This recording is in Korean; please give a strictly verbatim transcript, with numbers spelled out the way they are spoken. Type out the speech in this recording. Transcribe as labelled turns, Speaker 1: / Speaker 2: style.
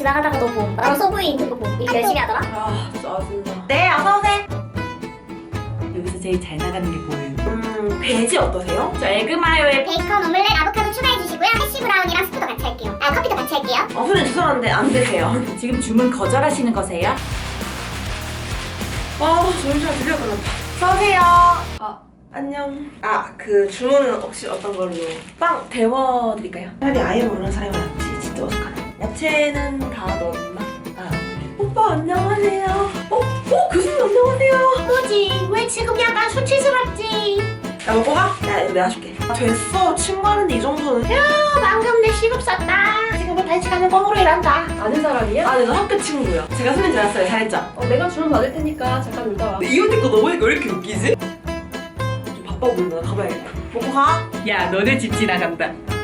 Speaker 1: 지나가다가도 봄. 나도 서브웨이 인트로 봄. 이렇게 열심히 하더라.
Speaker 2: 아 짜증나. 네 어서오세요.
Speaker 3: 여기서 제일 잘 나가는 게 뭐예요?
Speaker 2: 음 배지 어떠세요?
Speaker 3: 저 에그마요에
Speaker 1: 베이컨, 오믈렛, 아보카도 추가해주시고요. 해시 브라운이랑 스프도 같이 할게요. 아, 커피도 같이 할게요.
Speaker 2: 어 선생님 죄송한데 안 되세요.
Speaker 3: 지금 주문 거절하시는 거세요?
Speaker 2: 아 점심 드디어 끝났다. 어서오세요. 아 안녕. 아 그 주문은 혹시 어떤 걸로? 빵 데워드릴까요? 차라리 아예 모르는 사람이 낫지. 진짜 어떡하나. 야채는 다 넣었나? 아 오빠 안녕하세요. 어? 어? 교수님 안녕하세요.
Speaker 1: 뭐지? 왜 지금 약간 수치스럽지?
Speaker 2: 야 먹고 가? 야 이거 내가 줄게. 아, 됐어. 친구하는데 이 정도는. 야
Speaker 1: 방금 내 시급 썼다. 지금은 단시간에 꽁으로 일한다.
Speaker 4: 아는 사람이야?
Speaker 2: 아, 네, 너 학교 친구요. 제가 손님 잘했어요. 잘했죠?
Speaker 4: 어, 내가 주문 받을 테니까 잠깐 놀다 와.
Speaker 2: 이 언니 거 넘으니까 왜 이렇게 웃기지? 좀 바빠 보인다. 나 가봐야겠다. 먹고 가.
Speaker 3: 야 너네 집 지나간다.